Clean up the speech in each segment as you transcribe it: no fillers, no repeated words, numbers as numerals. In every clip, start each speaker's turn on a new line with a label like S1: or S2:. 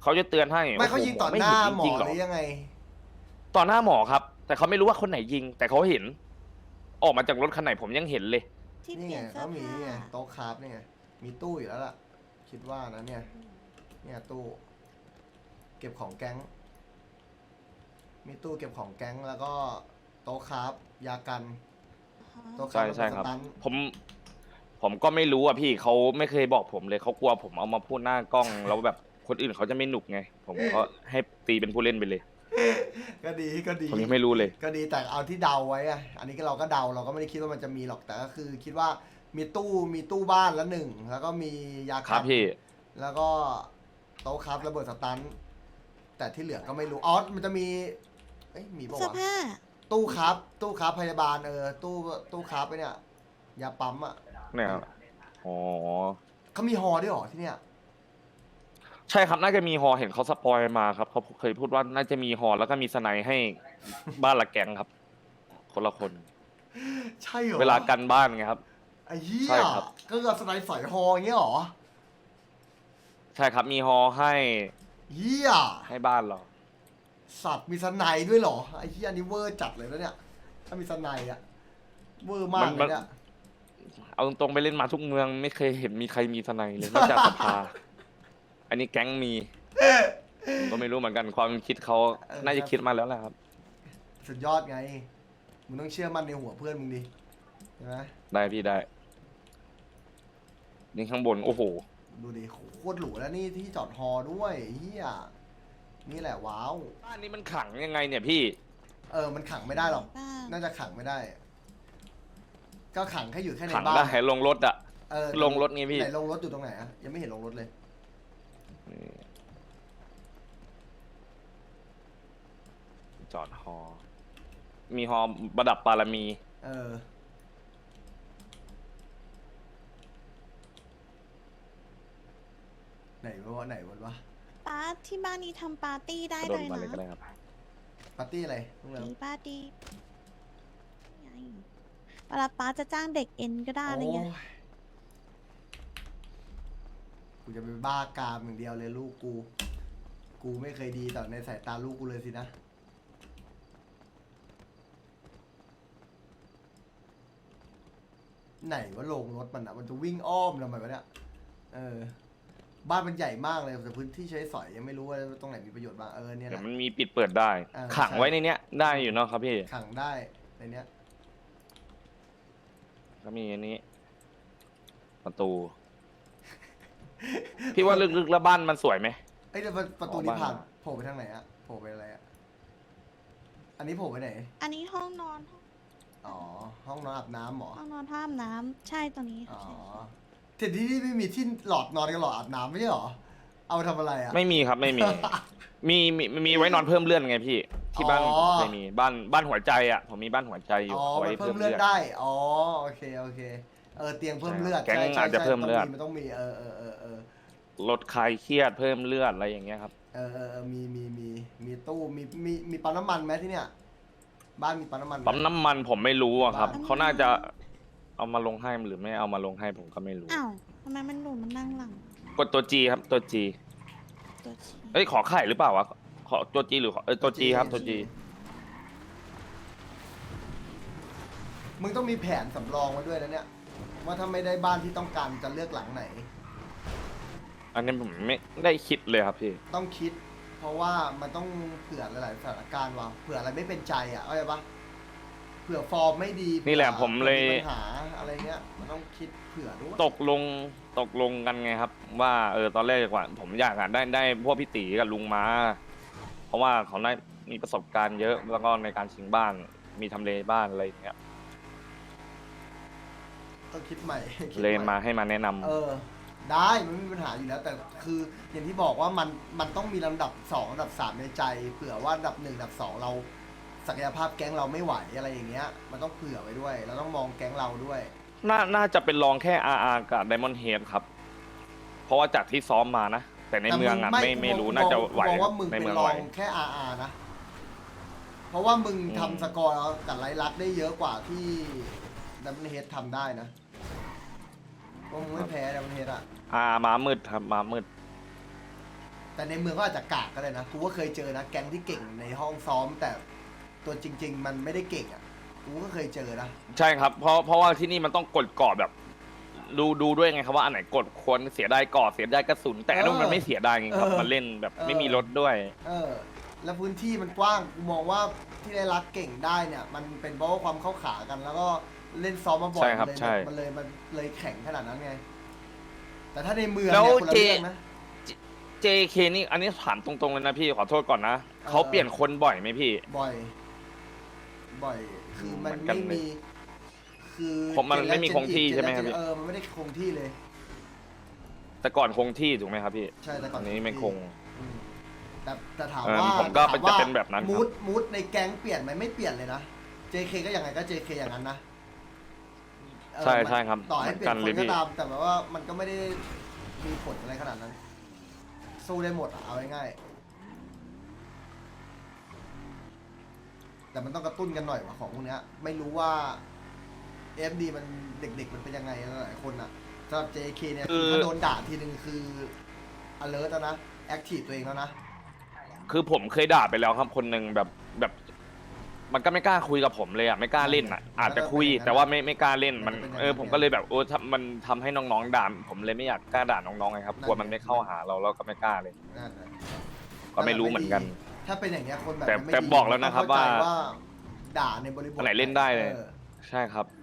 S1: เขาจะเตือนให้
S2: ไม่
S1: โโ
S2: เขายิงต่อ
S1: ไม่
S2: หน้า
S1: เห็น
S2: หมอ
S1: จริงๆหร
S2: หรือยังไง
S1: ต่อหน้าหมอครับ แต่เขาไม่รู้ว่าคนไหนยิง แต่เขาเห็น ออกมาจากรถคันไหนผมยังเห็นเลย
S3: ที่
S2: นี่
S3: เปลี่
S2: ไง
S3: ยนเสื้
S2: เขา
S3: อ
S2: มี
S3: ผ้า
S2: นี่ไงโต๊ะคราฟนี่ไงมีตู้อยู่แล้วล่ะ คิดว่านะเนี่ยตู้เก็บของแก๊ง มีตู้เก็บของแก๊งแล้วก็โต๊ะคราฟยากันโต๊ะครา
S1: ใช่
S2: ฟ
S1: ใช่ครับ
S2: สตัน
S1: ผมก็ไม่รู้อ่ะพี่เขาไม่เคยบอกผมเลยเขากลัวผมเอามาพูดหน้ากล้อง แล้วแบบคนอื่นเขาจะไม่หนุกไง ผมก็ให้ตีเป็นผู้เล่นไปเลย
S2: ก็ดีก็ดี
S1: ผมยังไม่รู้เลย
S2: ก็ดีแต่เอาที่เดาไว้อะอันนี้ก็เราก็เดาเราก็ไม่ได้คิดว่ามันจะมีหรอกแต่ก็คือคิดว่ามีตู้บ้านละหนึ่งแล้วก็มียา
S1: ครับ
S2: น
S1: พี่
S2: แล้วก็โต๊ะครับระเบิดสตันแต่ที่เหลือก็ไม่รู้อ๋อมันจะมีเอ้ยมีปะ
S3: เสื้อ
S2: วะ
S3: ผ้า
S2: ตู้ครับพยาบาลตู้ครับไปเนี่ยยาปั๊มอ่ะ
S1: เนี่ยครับอ๋อ
S2: เขามีฮอด้วยเหรอที่เนี่ย
S1: ใช่ครับน่าจะมีฮอเห็นเขาสปอยมาครับเขาเคยพูดว่าน่าจะมีฮอแล้วก็มีสไนด์ให้บ้านละแกงครับ คนละคน
S2: ใช่เหรอ
S1: เวลากันบ้านไงครับ
S2: ไอ้เหี้
S1: ใช่
S2: ย
S1: ครับ
S2: ก็คือสไนด์สอยฮออย่างเงี้ยเหรอ
S1: ใช่ครับมีฮอให้
S2: เหี้ย
S1: ให้บ้านเรา
S2: สัตว์มีสไนด์ด้วยเหรอไอ้เหี้ยอันนี้เวอร์จัดเลยนะเนี่ยถ้ามีสไนด์อะเวอร์มากเลยเนี่ย
S1: เอาตรงๆไปเล่นมาทุกเมืองไม่เคยเห็นมีใครมีสไนด์เลยนอกจากสภา อันนี้แก๊งมีผมก็ไม่รู้เหมือนกันความคิดเขาน่าจะคิดมาแล้วแหละครับ
S2: สุดยอดไง มึงต้องเชื่อมั่นในหัวเพื่อนมึงดิใช่ไหม
S1: ได้พี่ได้นี่ข้างบนโอ้โห
S2: ดูดิโคตรหรูแล้วนี่ที่จอดฮอด้วยเฮียนี่แหละว้าว
S1: บ้านนี้มันขังยังไงเนี่ยพี่
S2: มันขังไม่ได้หรอก
S3: บ้าน
S2: น่าจะขังไม่ได้ ก็ขังแค่อยู่แค่ใน
S1: ขัง
S2: บ้าน
S1: ได้ลงรถอะ
S2: เ
S1: ลงรถไงพี่
S2: ไหนลงรถอยู่ตรงไหนอะยังไม่เห็นลงรถเลย
S1: จอดฮอ มีฮอประดับปารมี
S2: ไหนวะ
S3: ป้าที่บ้านนี้ทำปาร์ตี้ได้
S1: กระโด
S3: เล
S1: ด
S3: ย
S1: มาเลยก็ได้
S3: นะครับ
S2: ปาร์ตี้อะไรพวกเรา
S3: มีปาร์ตี้ไงเวลาป้าจะจ้างเด็กเอ็นก็ได้อะไรเงี้ย
S2: โอ้ยกูจะไปบ้ากามอย่างเดียวเลยลูกกู กูไม่เคยดีต่อในสายตาลูกกูเลยสินะ ไหนว่าลงรถมันอะมันจะวิ่งอ้อมทำไมวะเนี่ยบ้านมันใหญ่มากเลยแต่พื้นที่ใช้สอยยังไม่รู้ว่าตรงไหนมีประโยชน์บ้างเนี่ย
S1: เดี๋ย
S2: นะ
S1: วมันมีปิดเปิดได้ ขังไว้ในเนี้ยได้อยู่เนาะครับพี่
S2: ขังได้ในเนี้ย
S1: ก็มีอันนี้ ประตู พี่ว่าลึกๆแล้วบ้านมันสวยไหม
S2: เอ้ยแต่ประตูนี้ผ่านโผล่ไปทางไหนอะโผล่ไปอะไรอะอันนี้โผล่ไปไหน
S3: อันนี้ห้องนอน
S2: อ๋อห้องนอนอาบน้ำเหรอ
S3: ห้องนอนท่าอาบน้ำใช่ตัวนี้
S2: อ๋อ
S3: ค่ะ
S2: แต่ที่นี่ไม่มีที่หลอดนอนกับหลอดอาบน้ำไม่ใช่เหรอ เอาไปทำอะไรอะ
S1: ไม่มีครับไม่มี มีไว้นอนเพิ่มเลื่อนไงพี่ ที่บ้าน
S2: อ๋อ
S1: เคยมีบ้านหัวใจอ่ะผมมีบ้านหัวใจอยู่
S2: อ๋อ
S1: ไว้
S2: มันเพิ่
S1: เพิ่
S2: ม
S1: ม
S2: เลื
S1: เลื่
S2: อ
S1: อ
S2: ด
S1: น
S2: ได้อ๋อโอเคเตียงเพิ่มเลือด
S1: แก๊ง
S2: ใช่
S1: อาจจะเพิ่มเลือด
S2: มันต้องมี
S1: ลดคลายเครียดเพิ่มเลือดอะไรอย่างเงี้ยครับ
S2: มีตู้มีปั๊มน้ำมันไหมที่เนี่ยบ้านมีปั๊มน้ำมันไห
S1: ปั๊มน้ำมันผมไม่รู้อะครับเขาน่าจะเอามาลงให้หรือไม่เอามาลงให้ผมก็ไม่รู้
S3: อ้าวทำไมมันหลุดมันนั่งหลัง
S1: กดตัวจีครับตัวจี
S3: ตัวชี้
S1: เอ้ยขอไข่หรือเปล่าวะขอตัวจีหรือขอตัวจีครับตัวจี
S2: มึงต้องมีแผนสำรองมาด้วยนะเนี่ยว่าถ้าไม่ได้บ้านที่ต้องการจะเลือกหลังไหน
S1: อันนี้ผมไม่ได้คิดเลยครับพี่
S2: ต้องคิด เพราะว่ามันต้องเผื่อหลายๆสถานการณ์ว่ะเผื่ออะไรไม่เป็นใจอ่ะเข้าใจปะเผื่อฟอร์มไม่ดี
S1: นี่แหละผมเลย
S2: ผื่อปัญหาอะไรเงี้ยมันต้องคิดเผื่อด้วย
S1: ตกลงกันไงครับ ว่าตอนแรกว่าผมอยากได้พวกพี่ตีกับลุงมา เพราะว่าเขาได้มีประสบการณ์เยอะแล้วก็ในการชิงบ้านมีทำเลบ้านอะไรอย่างเงี้ย
S2: ต้องคิดใหม่คิด
S1: เลย
S2: ให
S1: มาให้มาแนะนำ
S2: ได้มันไม่มีปัญหาอยู่แล้ว แต่คืออย่างที่บอกว่ามันต้องมีลำดับ2ลำดับ3ในใจเผื่อว่าลำดับ1ลำดับ2เราศักยภาพแก๊งเราไม่ไหวอะไรอย่างเงี้ยมันต้องเผื่อไว้ด้วยเราต้องมองแก๊งเราด้วย
S1: น่าจะเป็นรองแค่ RR กับ Diamond Head ครับ เพราะว่าจากที่ซ้อมมานะ แต่ในเมืองอ่ะไม่รู้น่าจะไหว
S2: มองว่ามึง
S1: ใน
S2: เป็น
S1: เมือง
S2: รอ
S1: ไหว
S2: งแค่ RR นะ เพราะว่ามึง
S1: อืม
S2: ทำสกอร์กับไลลักได้เยอะกว่าที่ดัมเบิลเฮดทำได้นะว่ามึงไม่แพ้ดัมเบิลเฮดอ่ะ
S1: ม้ามืดครับม้ามืด
S2: แต่ในเมืองก็อาจจะกากก็ได้นะกูก็เคยเจอนะแก๊งที่เก่งในห้องซ้อม แต่ตัวจริง ๆ มันไม่ได้เก่งอ่ะกูก็เคยเจอนะ
S1: ใช่ครับเพราะว่าที่นี่มันต้องกดกรอบแบบดูด้วยไงครับว่าอันไหนกดควรเสียดายกรอบเสียดายกระสุนแต่อันนู้นมันไม่เสียดายไงครับมันเล่นแบบไม่มีรถด้วย
S2: แล้วพื้นที่มันกว้างกูมองว่าที่ได้รักเก่งได้เนี่ยมันเป็นเพราะว่าความเข้าขากัน แล้วก็เล่นซ้อมมาบ่อย
S1: ใช่ครับใช่
S2: มันเลยแข็งขนาดนั้นไงแต่ถ้าในเมือง
S1: แล้ว
S2: เนี่ยคนละเรื่องนะ
S1: JK นี่อันนี้ถามตรงๆเลยนะพี่ขอโทษก่อนนะเขาเปลี่ยนคนบ่อยไหมพี่
S2: บ่อยคือมัน
S1: เหมือนกัน
S2: ไม่
S1: เลย
S2: มีคือ
S1: ผมมันไม่มีคงที่ใช่ไหมครับพี่
S2: มันไม่ได้คงที่เลย
S1: แต่ก่อนคงที่ถูกไหมครับพี่
S2: ใช่แต่ก่
S1: ต
S2: อ
S1: อน นนี้ไม่คง
S2: อืมแต่ถาม
S1: เออ
S2: ว่า
S1: ผมก็
S2: ถา
S1: จะเป็นแบบนั้นครับ
S2: มูดในแก๊งเปลี่ยนไหมไม่เปลี่ยนเลยนะ JK ก็ยังไงก็ JK อย่างนั้นนะ
S1: ใช่
S2: มัน
S1: ใช่ครับ
S2: ต่อให้เปลี่ยน
S1: เหมื
S2: ค
S1: อนกันเลยพี่
S2: นก็ตาม แต่แบบว่ามันก็ไม่ได้มีผลอะไรขนาดนั้น สู้ได้หมดอะเอาง่ายๆแต่มันต้องกระตุ้นกันหน่อยว่ะของพวกเนี้ยไม่รู้ว่า FD มันเด็กๆมันเป็นยังไงหลายคนอะสำหรับ JK เนี่ยคือถ้าโดนด่าทีนึงคือ alert แล้วนะ active ตัวเองแล้วนะ
S1: คือผมเคยด่าไปแล้วครับคนหนึ่งแบบมันก็ไม่กล้าคุยกับผมเลยอ่ะไม่กล้าเล่นอ่ะอาจจะคุยแต่ว่าไม่กล้าเล่นมันผมก็เลยแบบมันทำให้น้องๆด่าผมเลยไม่อยากกล้าด่าน้องๆไงครับกลัวมันไม่เข้าหาเราก็ไม่กล้าเลย
S2: นั่นแหละ
S1: ก็ไม่รู้เหมือนกัน
S2: ถ้าเป็นอย่างเงี้ยคนแบบ
S1: แต่บอกแล้วนะครับ
S2: เข้ใจ
S1: ว่า
S2: ด่าในบริบท
S1: อันไหนเล่นได้เลย
S2: ออ
S1: ใช่ครับ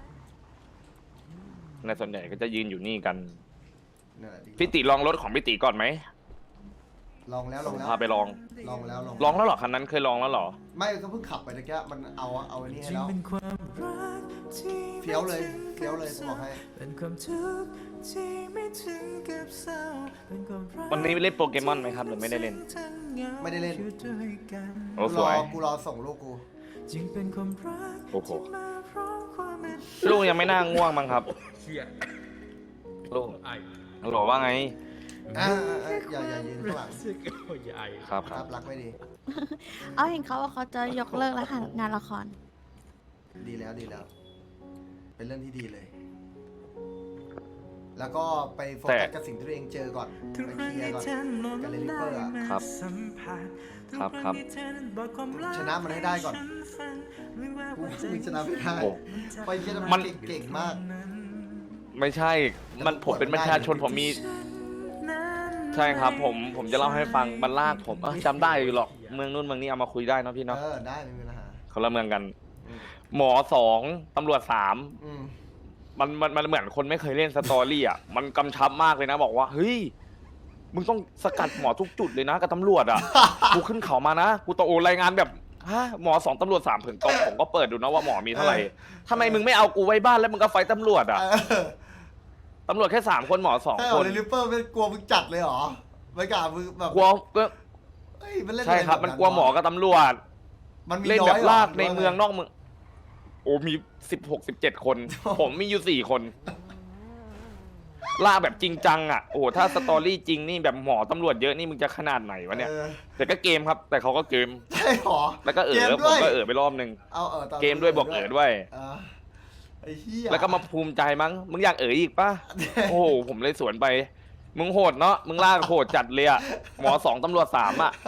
S1: ในส่วนใหญ่ก็จะยืนอยู่นี่กัน
S2: นั่นแหละดี
S1: พี่ติลองรถของพี่ติก่อนไหม
S2: ลองแล้ว
S1: พาไปลอง
S2: ลองแล้ว
S1: ลองแล้วเหรอคันนั้นเคยลองแล้วเหรอ
S2: ไม่ก็เพิ่งขับไปตะกี้มันเอาอันนี้ให้แล้วเฟี้ยวเลยกูบอกให้
S1: วันนี้เล่นโปเกมอนไหมครับหรือไม่ได้เล่น
S2: ไม่ได้เล่น
S1: โอ้สวย
S2: กูรอส่งลูกกู
S1: โอ้โหลูกยังไม่น่าง่วงมั้งครับลูกฮัลโหลว่าไง
S2: อย่ายืนข้างหลัง
S1: ครับค
S2: ค
S1: รั
S2: รั
S1: บบ
S2: รักไม่ดี
S3: เอาเห็นเขาว่าเขาจะยกเลิกแล้วค่ะงานละคร
S2: ดีแล้ว เป็นเรื่องที่ดีเลย แล้วก็ไปโฟกัสกับสิ่งที่ตัวเองเจอก่อน ไปเคลียร์ก่อนกับเลลิเปอร์อะ
S1: ครับครับ
S2: ชนะมันให้ได้ก่อนกูมึงชนะไม่ได้
S1: โอ้
S2: ไปเยอร
S1: มั
S2: มัน นเก่งมาก
S1: ไม่ใช่ผมเป็นประชาชนผมมี ใช่ครับ ผมจะเล่าให้ฟังมันลากผมจำได้อยู่หรอกเมืองนู้นเมืองนี้เอามาคุยได้เนาะพี่เนาะ
S2: ได้ไม่มีปัญหา
S1: คนละเมืองกัน
S2: อืม
S1: หมอ2ตำรวจ3
S2: อืม
S1: มันเหมือนคนไม่เคยเล่นสตอรี่อ่ะมันกำชับมากเลยนะบอกว่าเฮ้ยมึงต้องสกัดหมอทุกจุดเลยนะกับตำรวจอ่ะ กูขึ้นเขามานะกูตะโอรายงานแบบฮะหมอ2ตำรวจ3ถึงตรงผมก็เปิดดูนะว่าหมอมีเท่าไหร่ทำไมมึงไม่เอากูไว้บ้านแล้วมึงก็ไฟตำรวจอ่ะตำรวจแค่3 คนหมอ
S2: ใช่
S1: 2
S2: เห
S1: ค
S2: รอน เลลิเปอร์เป็นกลัวมึงจัดเลยเหรอไม่กล้ามึงแบบ
S1: กลัวก็
S2: เฮ้ยมันเล่น
S1: ใช่ครับ มันกลัวหมอกับตำรวจ
S2: มันมี
S1: เล่น
S2: น้
S1: แบ
S2: อย
S1: บ
S2: หร
S1: ลากใน
S2: หรื
S1: เมือง
S2: ว่าไ
S1: นอกเมืองโอ้มี16-17 คน ผมมีอยู่4 คนล่าแบบจริงจังอ่ะโอ้ถ้าสตอรี่จริงนี่แบบหมอตำรวจเยอะนี่มึงจะขนาดไหนวะเนี่ย แต่ก็เกมครับ แต่เขาก็เกม
S2: ใช่หรอ
S1: แล้วก็
S2: เกม
S1: ผ
S2: ด้
S1: ม
S2: วย
S1: ก็ไปรอบนึง
S2: เอาตอน
S1: เกมด้วยบอกด้วย
S2: ไอ้เหี้ย
S1: แล้วก็มาภูมิใจมั้งมึงอยากอีกป่ะโอ้โหผมเลยสวนไปมึงโหดเนาะมึงล่าโหดจัดเลยอ่ะหมอ2ตำรวจ3อ่ะ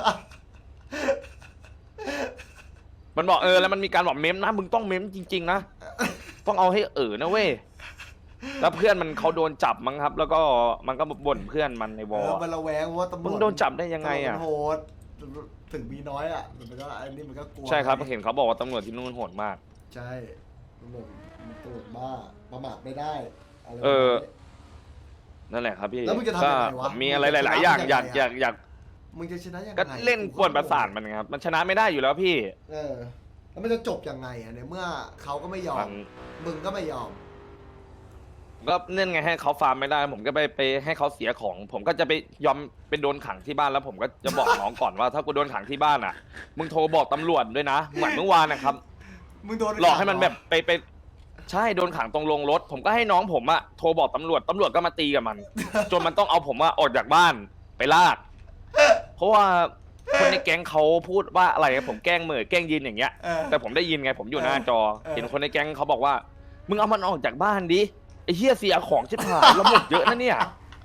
S1: มันบอกแล้วมันมีการบอกเมมนะมึงต้องเมมจริงๆนะต้องเอาให้นะเว้ยแล้วเพื่อนมันเขาโดนจับมั้งครับ แล้วก็มันก็บ่นเพื่อนมันในวอล
S2: มันระแวงว่าตำรวจ
S1: มึงโดนจับได้ยังไงอ่ะ
S2: โหดถึงมีน้อยอ่ะมันก็อันนี้มันก็กลัว
S1: ใช่ครับเห็นเขาบอกว่าตำรวจที่นู่นโหดมาก
S2: ใช่ตำรวจบ้าประมาทไม่ได้อะไร
S1: นั่นแหละครับพี่
S2: แล้วมึงจะทำยังไงวะ
S1: ผมมีอะไรหลายๆอย่างอยาก
S2: มึงจะชนะยังไง
S1: ก็เล่นกวนประสาทมันครับมันชนะไม่ได้อยู่แล้วพี่
S2: แล้วมันจะจบยังไงอ่ะในเมื่อเขาก็ไม่ยอมมึงก็ไม่ยอม
S1: ก็เนื่องไงให้เขาฟาร์มไม่ได้ ผมก็ไปให้เขาเสียของ ผมก็จะไปยอมไปโดนขังที่บ้านแล้วผมก็จะบอกน้องก่อนว่าถ้ากูโดนขังที่บ้านอ่ะมึงโทรบอกตำรวจด้วยนะเหมือนเมื่อวานนะครับ
S2: มึงโดน
S1: หลอกให้มันแบบไปใช่โดนขังตรงโรงรถ ผมก็ให้น้องผมอะโทรบอกตำรวจก็มาตีกับมัน จนมันต้องเอาผมออกจากบ้านไปลาก เพราะว่าคนในแก๊งเขาพูดว่าอะไรผมแกล้งเหม่อแกล้งยินอย่างเงี้ย แต่ผมได้ยินไงผมอยู่หน้าจอ เห็นคนในแก๊งเขาบอกว่ามึงเอามันออกจากบ้านดิไอ้เหี้ยเสียของชิบหายแล้วหมดเยอะนะเนี่ย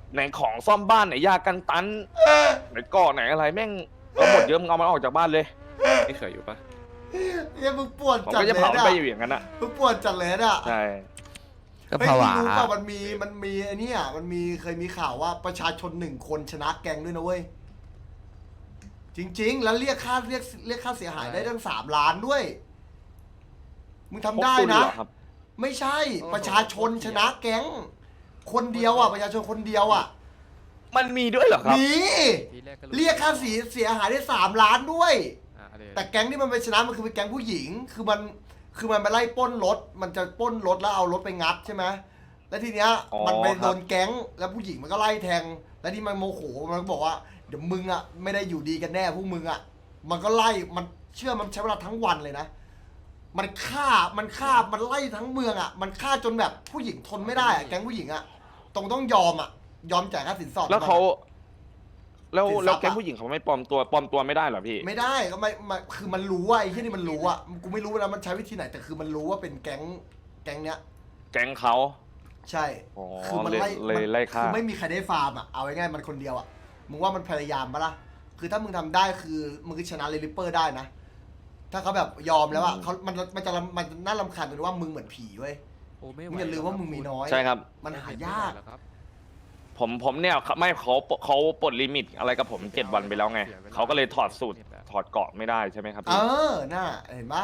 S1: ไหนของซ่อมบ้านไหนยากันตันไหนก่อไหนอะไรแม่งเอาหมดเยอะมึงเอามันออกจากบ้านเลยไม่เคยอยู่ปะ
S2: เนี่ยมึงปวด
S1: ผม
S2: จัด
S1: ก็
S2: เล
S1: จะ
S2: ย
S1: เผามัน
S2: อะ
S1: ไปอยู่อย่างนั้นอ่ะ
S2: มึงปวดจัดเลยอะ
S1: ใช่
S4: ก็
S2: เฮ้ย
S4: ผวา
S2: มึงรู้ป่ะมันมีไอ้เนี่ยมันเคยมีข่าวว่าประชาชน1 คนชนะแกงด้วยนะเว้ยจริง ๆ แล้วเรียกค่าเสียหายได้ตั้ง3 ล้านด้วยมึงทำได้
S1: พวกคุณ
S2: นะ
S1: เหรอครับ
S2: ไม่ใช่ประชาชนชนะแก๊งคนเดียวอ่ะประชาชนคนเดียวอ่ะ
S1: มันมีด้วยเหรอครับ
S2: มีเรียกค่าเสียหายได้3 ล้านด้วย แต่แก๊งที่มันไปชนะมันคือเป็นแก๊งผู้หญิงคือมันไปไล่ปล้นรถมันจะปล้นรถแล้วเอารถไปงัดใช่ไหมแล้วทีเนี้ย
S1: อ๋อ
S2: มันไป
S1: ครับ
S2: โดนแก๊งแล้วผู้หญิงมันก็ไล่แทง แล้วที่มันโมโหมันก็บอกว่าเดี๋ยวมึงอ่ะไม่ได้อยู่ดีกันแน่พวกมึงอ่ะมันก็ไล่มันเชื่อมันใช้เวลาทั้งวันเลยนะมันฆ่ามันไล่ทั้งเมืองอ่ะมันฆ่าจนแบบผู้หญิงทนไม่ได้อ่ะแก๊งผู้หญิงอ่ะต้องยอมอ่ะยอมจ่ายค่าสินสอด
S1: แล้วเขาแล้ว
S2: สินทรัพย์
S1: แล้วแก๊ง
S2: อะ
S1: ผู้หญิงเขาไม่ปลอมตัวไม่ได้เหรอพี่
S2: ไม่ได้ก็ไม่คือมันรู้ว่าไอ้ที่นี่มันรู้อ่ะกูไม่รู้นะมันใช้วิธีไหนแต่คือมันรู้ว่าเป็นแก๊งเนี้ย
S1: แก๊งเขา
S2: ใช่
S1: อ๋อ
S2: คือมันไล่
S1: เลยไล่ฆ่า
S2: คือไม่มีใครได้ฟาร์มอ่ะเอาง่ายๆมันคนเดียวอ่ะมึงว่ามันพยายามปะล่ะคือถ้ามึงทำได้คือมึงชนะเรลิปเปอร์ได้นะถ้าเขาแบบยอมแล้วอ่ะเขามันน่ารำคาญตรงที่ว่ามึงเหมือนผีเว้ย มึงอย่าลืมว่ามึงมีน้อย
S1: ใช่ครับ
S2: มันหายาก
S1: ผมเนี่ยไม่เขาปลดลิมิตอะไรกับผม7 วันไปแล้วไงเขาก็เลยถอดสูตรถอดเกราะไม่ได้ใช่ไหมครับ
S2: เอ
S1: พี่
S2: อน่าเห็นปะ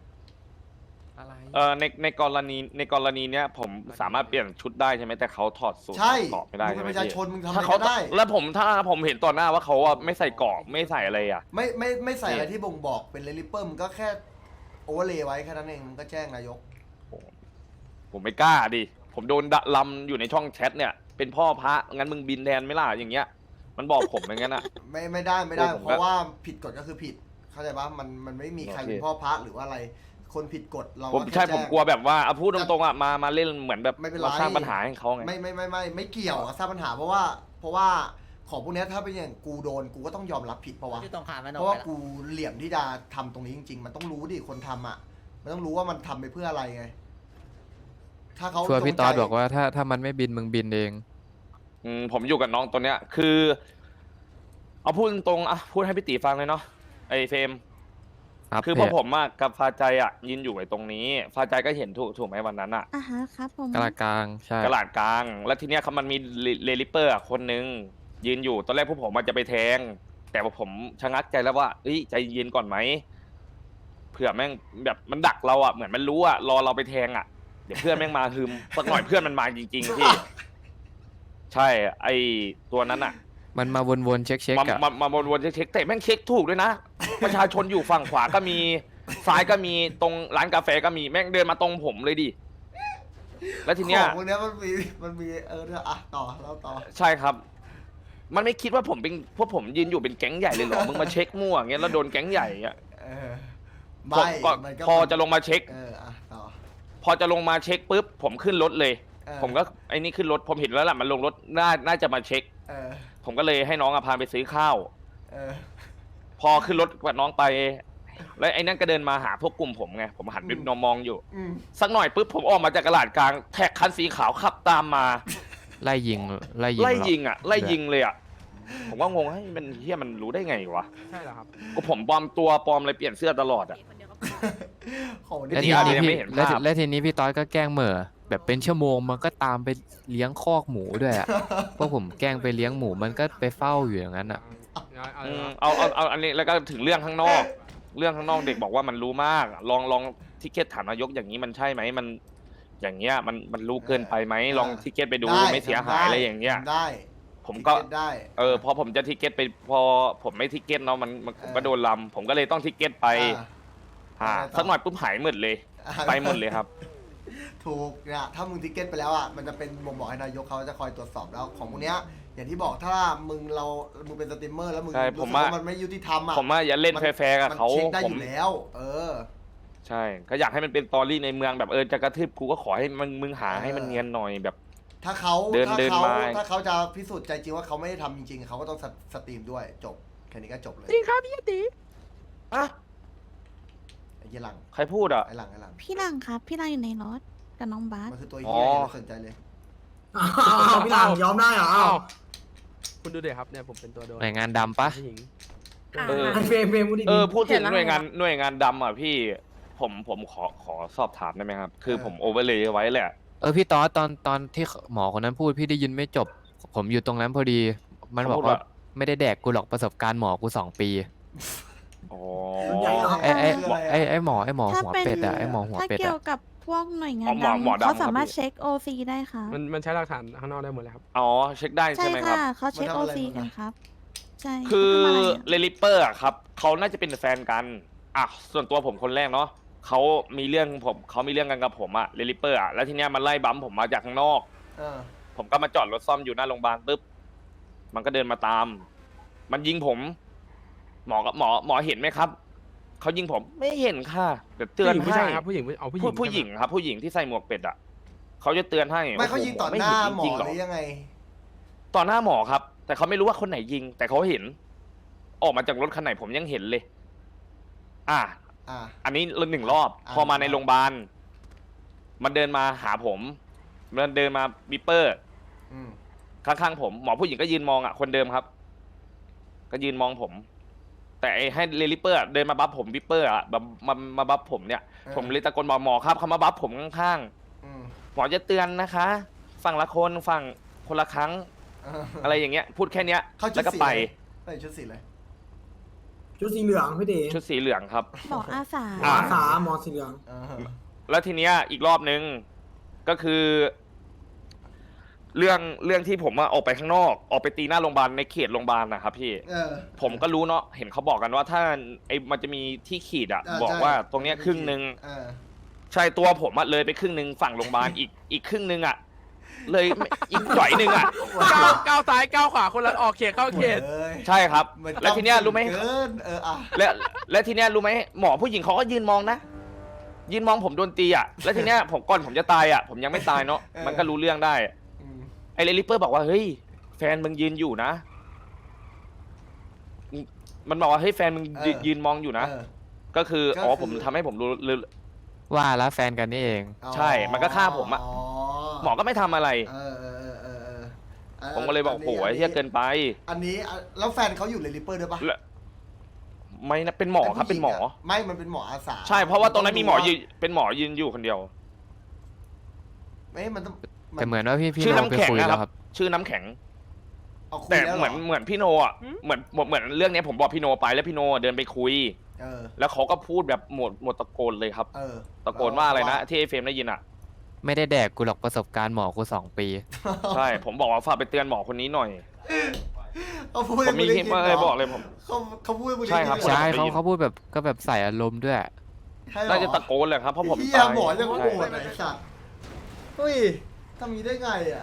S1: ในกรณีเนี้ยผมสามารถเปลี่ยนชุดได้ใช่ไหมแต่เขาถอดสูตร
S2: ใช่
S1: เกราะไม่ได้
S2: มึง
S1: ใช่
S2: เป็น
S1: ไหม
S2: ประชา
S1: พี่
S2: ชนมึงทำอะ
S1: ถ้า
S2: ไร
S1: เขา
S2: ก็ได้
S1: แล้วถ้าผมเห็นต่อหน้าว่าเขาอะไม่ใส่เกราะไม่ใส่อะไรอ่ะ
S2: ไม่ใส่อะไรที่บ่งบอกเป็นเรลิปเปอร์มึงก็แค่โอเวอร์เลย์ไว้แค่นั้นเองมึงก็แจ้งนายก
S1: ผมไม่กล้าดิผมโดนดะลำอยู่ในช่องแชทเนี่ยเป็นพ่อพระงั้นมึงบินแทนไหม่ล่ะอย่างเงี้ย มันบอกผมอย่างงั้นอ่ะ
S2: ไม่ได้
S1: โอ้ผม
S2: เพราะว่าผิดกฎก็คือผิดเข้าใจปะมันไม่มีใคร
S1: โอเค
S2: เป็นพ่อพระหรือว่าอะไรคนผิดกฎเรา
S1: ผม
S2: ก็แค่
S1: ใช่
S2: แจ้ง
S1: ผมกลัวแบบว่าพูดตรงๆอ่ะมาเล่นเหมือนแบบ
S2: ไม่เป็นไร
S1: เราสร้างปัญหาให้เขาไง
S2: ไม่เกี่ยวกับสร้างปัญหาเพราะว่าของพวกเนี้ยถ้าเป็นอย่างกูโดนกูก็ต้องยอมรับผิดเพราะว่า
S5: ที่ตรงขามมัน
S2: เพราะว่ากูเหลี่ยมที่จะทำตรงนี้จริง ๆ มันต้องรู้ดิคนทำอ่ะมันต้องรู้ว่ามันทำไปเพื่ออะไรไง ถ้าเขา
S4: ชัวร์พี่
S2: จงใจ
S4: ตอดบอกว่าถ้ามันไม่บินมึงบินเอง
S1: ผมอยู่กับน้องตัวเนี้ยคือ เอาพูดตรงๆอ่ะพูดให้พี่ตีฟังเลยเนาะไอ้เฟรม
S4: ครับ
S1: คือพอผมอะกับฟาใจอะยืนอยู่ไอ้ตรงนี้ ฟาใจก็เห็นถูกไหมวันนั้นอะ
S3: อ่ะฮะครับผม
S4: กลางกลางใช่
S1: กระลาดกลาง แล้วทีเนี้ยเขามันมีเลลิปเปอร์อะคนนึงยืนอยู่ตอนแรกพวกผมมันจะไปแทง แต่ว่าผมชะงักใจแล้วว่าเอ้ยใจเย็นก่อนไหมเผื่อแม่งแบบมันดักเราอะเหมือนมันรู้อะรอเราไปแทงอะเดี๋ยวเพื่อนแม่งมาฮึมสักหน่อยเพื่อนมันมาจริงๆพี่ใช่ไอตัวนั้นอะ
S4: มันมาวนๆเช็คๆอะ
S1: มาวนๆเช็คแต่แม่งเช็คถูกด้วยนะ ประชาชนอยู่ฝั่งขวาก็มีซ้ายก็มีตรงร้านกาแฟก็มีแม่งเดินมาตรงผมเลยดิแล้วทีเนี้ย
S2: ของพวกเนี้ยมันมีเนี่ยอ่ะต่อแล้วต่อ
S1: ใช่ครับ มันไม่คิดว่าผมเป็นพวกผมยืนอยู่เป็นแก๊งใหญ่เลยเหรอมึงมาเช็คมั่วอย่างเงี้ยแล้วโดนแก๊งใหญ่อะ
S2: เออ
S1: พอ
S2: ไม่
S1: ก็
S2: มันก็
S1: พอจะลงมาเช็ค
S2: อ่ะต่อ
S1: พอจะลงมาเช็คปุ๊บผมขึ้นรถเลย
S2: เออ
S1: ผมก็ไอ้นี่ขึ้นรถผมเห็นแล้วแหละมันลงรถน่าจะมาเช็ค
S2: เออ
S1: ผมก็เลยให้น้องพาไปซื้อข้าว
S2: เออ
S1: พอขึ้นรถกับน้องไป แล้วไอ้นั่นก็เดินมาหาพวกกลุ่มผมไงผมหันไปมองอยู่
S2: อืม
S1: สักหน่อยปุ๊บผมออกมาจากกระดาษกลางแท็กคันสีขาวขับตามมา
S4: ไล่ยิง
S1: ไล่ยิงอ่ะไล่ยิงเลยอ่ะผมก็งงให้มันเฮียมันรู้ได้ไงวะ
S5: ใช่เหรอครับ
S1: ก็ผมปลอมตัวปลอมอะไรเปลี่ยนเสื้อตลอดอ่ะ
S2: ของ
S4: แล้ว
S2: นี่
S4: ที
S1: อาจ
S4: นี้
S1: จะยังไม่
S4: พี่
S1: เห็น
S4: แล้ว
S1: ภาพ
S4: แล้วทีนี้พี่ตอดก็แกล้งเหม่อแบบเป็นชั่วโมงมันก็ตามไปเลี้ยงคอกหมูด้วยอะ พวกผมแกล้งไปเลี้ยงหมูมันก็ไปเฝ้าอยู่อย่างนั้นอะ
S1: เอาอันนี้แล้วก็ถึงเรื่องข้างนอก เรื่องข้างนอกเด็กบอกว่ามันรู้มาก ลองทิเก็ตถามนายกอย่างนี้มันใช่ไหมมัน อย่างเงี้ยมันรู้เกินไปไหมลองทิเก็ตไปดูไม่เสียหายอะไรอย่างเงี้ย
S2: ได้
S1: ผมก็
S2: ทิเได้
S1: พอผมจะทิเก็ตไปพอผมไม่ทิเก็ตเนาะมันผมก็โดนลำผมก็เลยต้องทิเก็ตไป สักหน่อยปุ๊บหายหมดเลย ไปหมดเลยครับ
S2: ถูกเนี่ยถ้ามึงทิเก็ตไปแล้วอ่ะมันจะเป็นบ่งบอกให้นายกเขาจะคอยตรวจสอบแล้วของพวกเนี้ยอย่างที่บอกถ้ามึงเป็นสตรีมเมอร์แล้วมึง
S1: ใช่
S2: รู้
S1: ผม
S2: สึก
S1: ว่า
S2: ว่ามันไม่ยุติธรรมอ่ะ
S1: ผมว่าอย่าเล่นแฟร์ๆกับเขา
S2: มันเช็คได้
S1: ผ
S2: อ
S1: ม
S2: ยู่แล้ว
S1: ใช่ก็อยากให้มันเป็นตอรี่ในเมืองแบบจะกระทืบกูก็ขอให้มึงหาให้มันเนียนหน่อยแบบ
S2: ถ้าเขา
S1: เดิน
S2: ถ้าเขาจะพิสูจน์ใจจริงว่าเขาไม่ได้ทำจริงๆเขาก็ต้องสตรีมด้วยจบแค่นี้ก็จบเลย
S5: จริงครับพี่ตี
S1: อะ
S2: ไอ้เหี้ยหลัง
S1: ใครพูดอ่ะ
S2: ไอ้หลัง
S3: พี่หลังครับ พี่หลังอยู่ในรถกับน้องบาส
S2: มันคือตัวเหี้ยอย่าไปสนใจเลย
S5: พี่หลังยอมได้เหรอ
S6: อ้าวคุณดูเดี๋ยวครับเนี่ยผมเป็นตัวโดน
S4: หน่วยงานดำปะ
S6: ผู้หญิง
S1: เออ
S5: เฟรมพูดดี
S1: พูดถึง
S7: เห็นแล้ว
S1: หน่วยงานดำอ่ะพี่ผมขอสอบถามได้ไหมครับ คือผมโอเวอร์เลยไว้แหละ
S4: พี่ตอนที่หมอคนนั้นพูดพี่ได้ยินไม่จบ ผมอยู่ตรงนั้นพอดี มันบอก
S1: เขาพูด
S4: ว่า
S1: ว่า
S4: ไม่ได้แดกกูหรอกประสบการณ์หมอกู2 ปี
S1: อ๋อ
S4: ไอ้หมอ
S3: ถ้า
S4: หัว
S3: เป็น
S4: เป็ดอะไอ้หมอหัว
S3: ถ้า
S4: เป็ด
S3: เกี่ย
S4: อะ
S3: วกับพวกหน่วยงาน
S1: หมอ
S3: ดำ
S1: ดำ
S3: เขาสามารถ
S1: ครับพี่
S3: เช็ค OC ได้ค่ะ
S6: มันใช้หลักฐานข้างนอกได้หมดเลยครับ
S1: อ๋อเช็คได้
S3: ใช่
S1: ใช่ไหมครับ
S3: ค่ะเขาเช็ค OC กันครับ ใช่
S1: คือ
S3: เขาทำะไรอะ
S1: เลลิเปอร์อะครับเขาน่าจะเป็นแฟนกันอ่ะส่วนตัวผมคนแรกเนาะเขามีเรื่องกันกับผมอะเลลิเปอร์อะแล้วทีเนี้ยมันไล่บัมผมมาจากข้างนอก
S2: เออ
S1: ผมก็มาจอดรถซ่อมอยู่หน้าโรงพยาบาลปุ๊บมันก็เดินมาตาม มันยิงผม หมอเห็นไหมครับเขายิงผมไม่เห็นค่ะเดี๋ยวเตือน
S6: ผู้
S1: ให้
S6: ชายครับผู้หญิงเอาผู้หญิง
S1: ผู้หญิงครับ ผู้หญิงที่ใส่หมวกเป็ดอะเขาจะเตือนให้
S2: ไม่เขายิงต่อหน้าหมอ
S1: จริงๆ
S2: ห
S1: เหรอ
S2: รือยังไง
S1: ต่อหน้าหมอครับ แต่เขาไม่รู้ว่าคนไหนยิง แต่เขาเห็น ออกมาจากรถคันไหนผมยังเห็นเลย อ่ะ
S2: อ่า
S1: อันนี้1 รอบ
S2: อ่า
S1: พอมาในโรงพยาบาลมันเดินมาหาผมมันเดินมาบิปเปอร์
S2: อืม
S1: ข้างๆผมหมอผู้หญิงก็ยืนมองอ่ะคนเดิมครับ ก็ยืนมองผม แต่ไอ้ให้เลลิเปอร์เดินมาบัฟผมบิปเปอร์อ่ะแบบมาบัฟผมเนี่ย ผมเลยตะโกนบอกหมอครับเขามาบัฟผมข้าง
S2: อืม
S1: ๆหมอจะเตือนนะคะ ฝั่งละคนฝั่งคนละครั้ง อะไรอย่างเงี้ย พูดแค่เนี้ย
S2: เขาชุ
S1: แล้
S2: ด
S1: วก็
S2: สี
S1: ไป
S2: ใส่ชุดสีเลย
S5: ชุดสีเหลืองพี่เด๋
S1: ชุดสีเหลืองครับ
S3: หมออาสา
S5: หมออาสาหมอสีเหลือง
S1: แล้วทีเนี้ยอีกรอบนึงก็คือ เรื่องที่ผมออกไปข้างนอก ออกไปตีหน้าโรงพยาบาลในเขตโรงพยาบาลนะครับพี่
S2: เออ
S1: ผมก็รู้เนาะเห็นเขาบอกกันว่าถ้ามันจะมีที่ขีดอ่ะ บอก
S2: ใช่
S1: ว่าตรงเนี้ยครึ่งนึง
S2: เออ
S1: ใช่ตัวผมอะเลยไปครึ่งนึงฝั่งโรงพยาบาลอีกครึ่งนึงอ่ะ เลยอีกหน่อยนึงอ่ะ
S6: ก้าวซ้ายก้าวขวาคนละออกเขตเข้าเขต
S2: เอ้ย
S1: ใช่ครับ
S2: เหมือน
S1: แล้วทีเนี้ยรู้ไหม
S2: เกินอ่ะ
S1: และทีเนี้ยรู้ไหมหมอผู้หญิงเขาก็ยืนมองนะยืนมองผมโดนตีอ่ะแล้วทีเนี้ยผมก่อนผมจะตายอ่ะผมยังไม่ตายเนาะมันก็รู้เรื่องได้
S2: อืม
S1: ไอ้เลลิเปอร์บอกว่าเฮ้ยแฟนมึงยืนอยู่นะ มันบอกว่าเฮ้ยแฟนมึงยืนมองอยู่นะ
S2: เออ
S1: ก็คือ
S2: ก็
S1: อ๋อ
S2: คือ
S1: ผมทำให้ผมรู้
S4: ว่าแล้วแฟนกันนี่เอง
S1: ใช่มันก็ฆ่าผมอะ หมอก็ไม่ทำอะไร
S2: เออ
S1: ผมก็เลยบอกโอ้ยเฮียเกินไป
S2: อันนี้แล้วแฟนเขาอยู่เลลิเปอร์ด้วยปะ
S1: และไม่นะเป็นหมอครับเป็นหมอ
S2: ไม่มันเป็นหมออาสา
S1: ใช่เพราะว่าตรงนั้นมีหมอยืนเป็นหมอยืนอยู่คนเดียว
S2: ไม่มันต้อง
S4: แต่เหมือนว่าพี่
S1: ชื่อ
S4: โน
S1: น้ำ
S4: ไป
S1: แข็ง
S4: คุย
S1: นะ
S4: แล้ว
S1: ค
S4: ค
S1: รั
S4: รับ บ
S1: ชื่อน้ำแข็ง
S2: เอาคุย
S1: แต่
S2: แล้ว
S1: เหมือนพี่โนอ่ะเหมือนเรื่องนี้ผมบอกพี่โนไปแล้วพี่โนเดินไปคุย
S2: เออ
S1: แล้วเขาก็พูดแบบหมดตะโกนเลยครับ
S2: เออ
S1: ตะโกนว่าอะไรนะที่ไอเฟรมได้ยินอ่ะ
S4: ไม่ได้แดกกูหรอกประสบการณ์หมอกู2 ปี
S1: ใช่ ผมบอกว่าฝากไปเตือนหมอคนนี้หน่อย
S2: เขาพูด
S1: ผมมีคลิปมาเลยบอกเลยผม
S2: เขาพูดให้มึง
S1: ใช่ครับ
S2: ได้ยิน
S4: ใช่
S2: เหอ
S4: เขาพูดแบบก็แบบใส่อารมณ์ด้วย
S2: ใช่เหรอ
S1: น่าจะตะโกนเลยครับเพราะผม
S2: เหี้ย
S1: ตาย
S2: หมอยัง
S1: ใช่
S2: โกรธไอ้สัตว์เฮ้ยทำนี้ได้ไงอ่ะ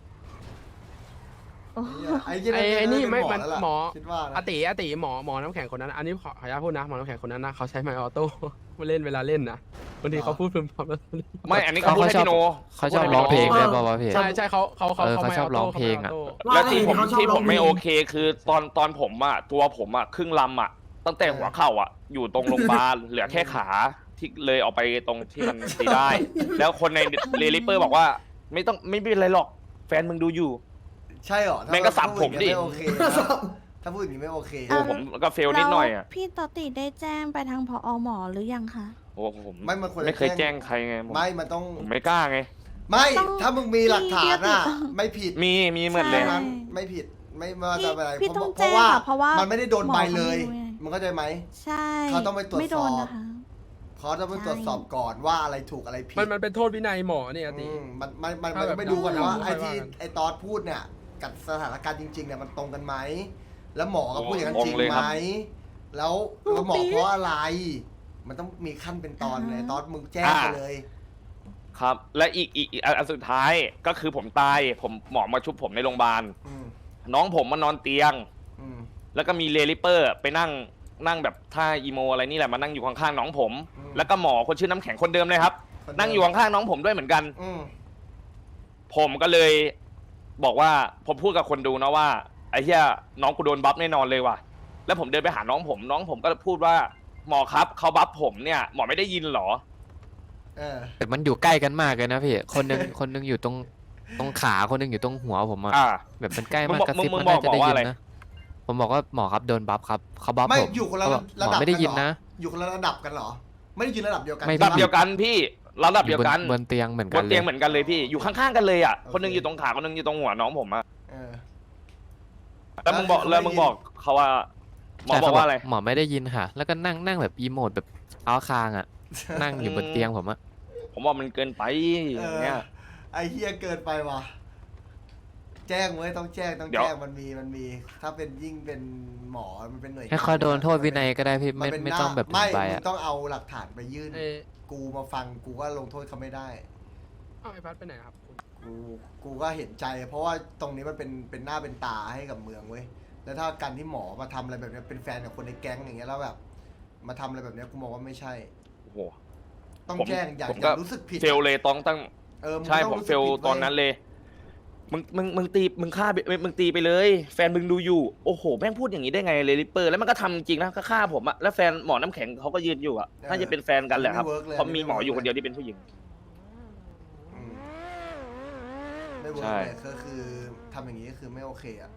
S2: ไอ้เหี้ย
S6: ไอ้นี่ไม่มัน
S2: แล้วล่ะ
S6: หมอ
S2: คิดว่านะ
S6: อาติหมอน้ำแข็งคนนั้น อันนี้ขออนุญาตพูดนะหมอน้ำแข็งคนนั้นนะเขาใช้ไมค์ออโต้มาเล่นเวลาเล่นนะบางทีเขาพูดพึมพำแล้ว
S1: ไม่อันนี้เขาพูดให้พี่โน
S4: เขาชอบร้องเพลงด้วยป่าวะพี่
S6: ใช่เขา
S4: เขาชอบร้องเพลงอะ
S1: แล้วที่ผมไม่โอเคคือตอนผมอ่ะตัวผมอ่ะครึ่งลำอ่ะตั้งแต่หัวเข่าอ่ะอยู่ตรงโรงพยาบาล เหลือแค่ขาที่เลยออกไปตรงที่มันตีได้ แล้วคนในเรลิเปอร์บอกว่าไม่เป็นไรหรอกแฟนมึงดูอยู่
S2: ใช่เหรอ
S1: แม่งก็สับผมดิ
S2: ถ้าพูอย่างนี้ไม่โอเคนะถ้าพูดอย่างนี้ไม่โอเค
S1: โอ้ผมก็เฟลนิดหน่อยอ่ะ
S3: แล้วพี่ตอติได้แจ้งไปทางผอหมอหรือยังคะ
S1: โอ้ผม
S2: ไม่มันควรจะ
S1: ไม่เคยแจ้งใครไงผม
S2: ไม่มันต้อง
S1: ผมไม่กล้าไง
S2: ไม่
S3: ต้อง
S2: ถ้ามึงมีหลักฐานอ่ะ
S3: พี่
S2: ไม่ผิด
S1: มีเหมือนเลย
S3: ใช่
S2: นั้นไม่ผิดไม่ว่าจะเป็นอะไร
S3: พี่ต้อง
S2: เพ
S3: แจ้
S2: ราะ
S3: ง
S2: ว่า
S3: ค่ะเพราะว่า
S2: มันไม่ได้โดนใบเลย
S3: หมอเขาไม่รู้ไง
S2: มึงเข้าใจไหม
S3: ใช่
S2: เขาต้องไปตรวจสอบ
S3: ไม่โดนนะคะ
S2: เขาจะไปตรวจสอบก่อนว่าอะไรถูกอะไรผิด
S6: มันเป็นโทษวินัยหมอเนี่ยอาติ
S2: มัน
S6: ถ้าแบบ
S2: ไม่ดูก่อนนะว่า
S6: ไม่
S2: ไอ้
S6: ว่า
S2: ที่
S6: กัน
S2: ไอ้ตอสพูดเนี่ยกับสถานการณ์จริงๆเนี่ยมันตรงกันไหมแล้วหมอก็พูดอย่างนั้น
S1: โอ้
S2: จริง
S1: งงเลย
S2: ไห
S1: ค
S2: ม
S1: รับ
S2: แล้วหมอเพราะอะไร มันต้องมีขั้นเป็นตอนเลยตอสมึงแจ้งไปเลย
S1: ครับ และอีกอันสุดท้ายก็คือผมตายผมหมอมาชุบผมในโรงพยาบาล
S2: อืม
S1: น้องผมมานอนเตียง
S2: อืม
S1: แล้วก็มีเรลิเปอร์ไปนั่งแบบท่าอีโมอะไรนี่แหละมานั่งอยู่ข้างๆน้องผม
S2: อืม
S1: แล้วก็หมอคนชื่อน้ำแข็งคนเดิมเลยครับ
S2: คนเดิม
S1: นั่งอยู่ข้างๆน้องผมด้วยเหมือนกัน
S2: อืม
S1: ผมก็เลยบอกว่าผมพูดกับคนดูนะว่าไอ้เหี้ยน้องกูโดนบัฟแน่นอนเลยว่ะแล้วผมเดินไปหาน้องผมก็พูดว่าหมอครับเขาบัฟผมเนี่ยหมอไม่ได้ยินเหรอ
S2: เออ
S4: แต่มันอยู่ใกล้กันมากเลยนะพี่ คนหนึงอยู่ตรงตรงขาคนหนึงอยู่ตรงหัวผมอะ
S1: อ่า
S4: แบบมันใกล้
S1: มึ
S4: มาง ก
S1: บอก
S4: กระซิบ
S1: มึง
S4: มัน
S1: บอ
S4: น่าก จะได้
S1: ว่า
S4: ยิ
S1: อะไร
S4: นนะผมบอกว่าหมอครับโดนบัฟครับเขาบัฟ
S2: ไม่
S4: ผม
S2: อยู่คนละ
S4: เขาบอก
S2: ระ
S4: หม
S2: ดั
S4: อบ ไม่ได้ยิน
S2: กัเหรอ
S4: นะ
S2: อยู่คนละระดับกันเหรอ ไม่ได้ยืนระดับเดียวกัน
S4: ไม่
S2: ใช่
S1: ระดับ
S2: ปะ
S1: เดียวกันพี่ระดับ
S4: อ
S1: เดี
S4: ยู่
S1: ยวกัน
S4: บนเตียงเหมือน
S1: บ
S4: กัน
S1: น
S4: เล
S1: เตีย
S4: ย
S1: งเหมือนกันเลยพี่ อยู่ข้างๆกันเลยอ่ะ
S2: โอเค
S1: คนหนึงอยู่ตรงขาคนหนึงอยู่ตรงหัวน้องผมอ่ะ
S2: เออ
S1: แล้วมึงบอก
S2: แล้ว
S1: แล้วมึงบอกเขาว่าหมอ
S4: ใช่
S1: บอกว่าอะไร
S4: หมอไม่ได้ยินค่ะ แล้วก็นั่งแบบอีโมดแบบเท้าคางอะนั่งอยู่บนเตียงผมอะ
S1: ผมว่ามันเกินไปอย่างเงี้ย
S2: ไอ้เฮียเกินไปว่ะ แจ้งเว้ยต้องแจ้ง
S1: เดี๋ยว
S2: แจ้งมันมี ถ้าเป็นยิ่งเป็นหมอมันเป็นหน่วย
S4: ให้เขาโดนโทษวินัยก็ได้พี่
S2: มัน
S4: ไม่
S2: เป็น
S4: ไม่
S2: หน้า
S4: ต้องแบบ
S2: ไม่
S4: ใบ
S2: มึ
S4: อะ
S2: งต้องเอาหลักฐานไปยื่น
S6: เอ้ย
S2: กูมาฟังกูก็ลงโทษเขาไม่ได้
S6: เอาไอ้พัดไปไหนครับคุณ
S2: กูก็เห็นใจ เพราะว่าตรงนี้มันเป็นหน้าเป็นตาให้กับเมืองเว้ย แล้วถ้าการที่หมอมาทำอะไรแบบเนี้ยเป็นแฟนกับคนในแก๊งอย่างเงี้ยแล้วแบบ มาทำอะไรแบบเนี้ยกูมองว่าไม่ใช่
S1: โอ้โห
S2: ต้อง
S1: ผม
S2: แจ้งอย่า
S1: ผม
S2: อ
S1: ก็
S2: ย่ารู้สึกผิด
S1: เฟลเลยต้องตั้ง
S2: ง
S1: ใช่
S2: ต้อง
S1: ผม
S2: รู้
S1: เฟ
S2: สึก
S1: ล
S2: ผิดว้ย
S1: ตอนนั้นเลย มึงตีมึงฆ่ามึงตีไปเลย แฟนมึงดูอยู่ โอ้โหแม่งพูดอย่างนี้ได้ไงเลยริปเปอร์ แล้วมันก็ทำจริงนะก็ฆ่าผมอะแล้วแฟนหมอน้ำแข็งเขาก็ยืนอยู่อะน่าจะเป็นแฟนกันแหละครับ
S2: ไม่วิกลย
S1: เพราะมีหมออยู่คนเดียวที่เป็นผู้หญิง
S2: อืมไม่เวิร์
S1: ใช่
S2: กเลยก็คือทำอย่างนี้ก็คือไม่โอเคอะ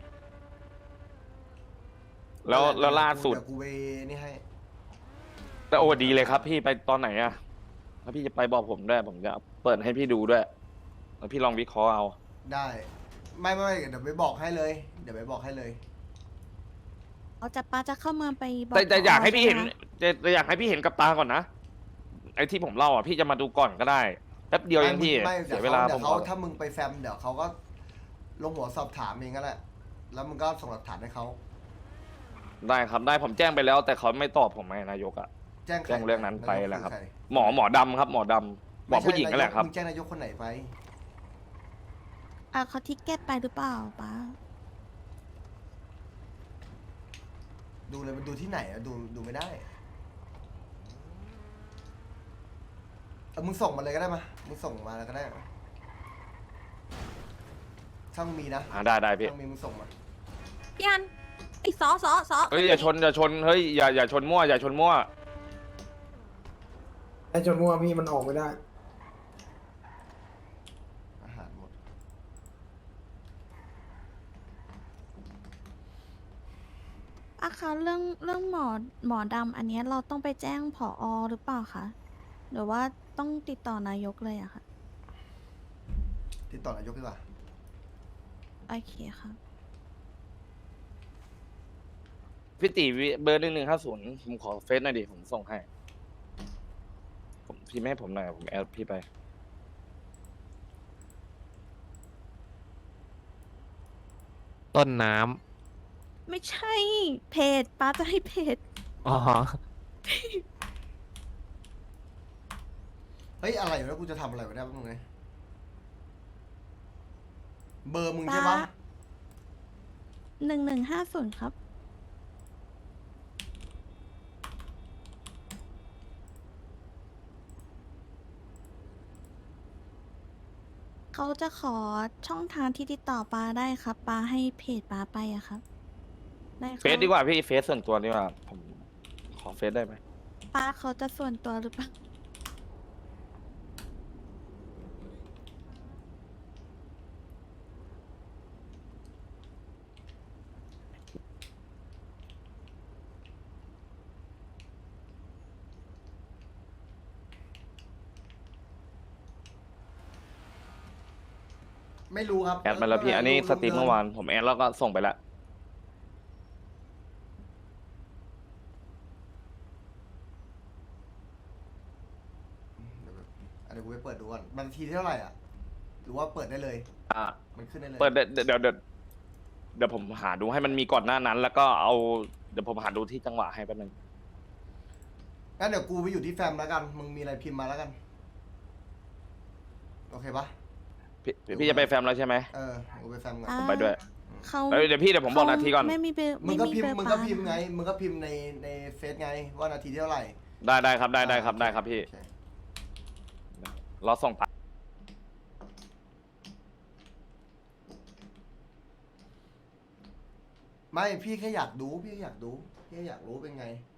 S1: แล้วล่าสุด
S2: เดี๋ยวกูไปนี่ให้
S1: แต่โอ้ดีเลยครับ พี่ไปตอนไหนอะแล้วพี่จะไปบอกผมด้วยผมจะเปิดให้พี่ดูด้วยแล้วพี่ลองวิเคราะห์เอา
S2: ได้ ไม่เดี๋ยวไปบอกให้เลย เดี๋ยวไปบอกให้เลย
S3: เอาจะป้าจะเข้าเมืองไปบอก
S1: แต่อยากให้พี่เห็น
S3: ใช่ไมคะ
S1: แต่อยากให้พี่เห็นกับตาก่อนนะไอ้ที่ผมเล่าอ่ะพี่จะมาดูก่อนก็ได้แป๊บเดียวเองพี่
S2: ไม่
S1: เสียเวลา
S2: เดี๋
S1: ผ
S2: ยว
S1: ม
S2: เขา
S1: บอก
S2: ถ้ามึงไปแฟมเดี๋ยวเขาก็ลงหัวสอบถามเองก็แหละ แล้วมึงก็ส่งหลักฐานให้เขา
S1: ได้ครับได้ผมแจ้งไปแล้ว แต่เขาไม่ตอบผมไงนายกอ่ะ
S2: แจ้งใค
S1: แจ้งเรื่องนั้นไป
S2: ายก
S1: แล้วครับ
S2: อใ
S1: หมอดำครับหมอดำหมอผู้หญิงนั่นแหละครับ
S2: มึงแจ้งนายกคนไหนไป
S3: อ่ะเขาทิกเก็ตไปหรือเปล่าป้า
S2: ดูเลยมันดูที่ไหนอะดูไม่ได้มึงส่งมาเลยก็ได้มามึงส่งมาแล้วก็ได้ถ้ามึงมีนะ
S1: ได้พี่
S2: ถ้ามึงมีมึงส่งมา
S3: พี่อันไอ้ซอ
S1: เฮ้ยอย่าชนเฮ้ยอย่าชนมั่วอย่าชนมั่ว
S5: ไอ้จนมัวพี่มันออกไม่ได้
S2: อาหารหมด
S3: ป้าคะเรื่องหมอดำอันเนี้ยเราต้องไปแจ้งผอหรือเปล่าคะหรือว่าต้องติดต่อนายกเลยอะค่ะ
S2: ติดต่อนายกดีกว่า
S3: โอเคค่ะ
S1: พี่ตีเบอร์1150ผมขอเฟซหน่อยดิผมส่งให้ผมพี่แม่ให้ผมหน่อยผมแอดพี่ไป
S4: ต้นน้ำ
S3: ไม่ใช่เพจป้าจะให้เพจ
S4: อ๋อ
S2: เฮ้ยอะไรอยู่แล้วกูจะทำอะไรวะเนี่ยมึงไงเบอร์มึง
S3: ป้า
S2: ใช่ปะ
S3: 1150ครับเขาจะขอช่องทางที่ติดต่อป้าได้ครับป้าให้เพจป้าไปอะครับได้ครับ
S1: เฟซดีกว่าพี่เฟซส่วนตัวดีกว่าผมขอเฟซได้ไหม
S3: ป้าเขาจะส่วนตัวหรือเปล่า
S2: ไม่รู้ครับ
S1: แอดมาแล้วพี่อันนี้สตรีมเมื่อวานผมแอดแล้วก็ส่งไปแล้ว
S2: เดี๋ยวกูไปเปิดดูก่อนมันทีเท่าไหร่อ่ะ หรือว่าเปิดได้เลย
S1: อ่า
S2: มันขึ้นได้เลย
S1: เปิดเดี๋ยวผมหาดูให้มันมีก่อนหน้านั้น แล้วก็เอาเดี๋ยวผมหาดูที่จังหวะให้แป๊บนึง
S2: งั้นเดี๋ยวกูไปอยู่ที่แฟมแล้วกัน มึงมีอะไรพิมพ์มาแล้วกัน โอเคปะ
S1: พี่จะไปแฟมแล้วใช่ไหม
S2: กูไปแฟมก่อน
S3: อ่า
S1: ผมไปด้วย
S3: เขา
S1: เดี๋ยวพี่เดี๋ยวผมบอกนาทีก่อน
S3: ไม่มีเบอร์
S2: มึงก็พิมพ์
S3: เบอร์
S2: มึงก็
S3: ป้า
S2: พิมพ์ไง มึงก็พิมพ์ในเฟซไง ว่านาทีที่เท่าไหร่
S1: ได้ครับได้ครับพี่
S2: โอเค
S1: รอส่งไป
S2: ไม่พี่แค่อยากดู พี่แค่อยากรู้เป็นไง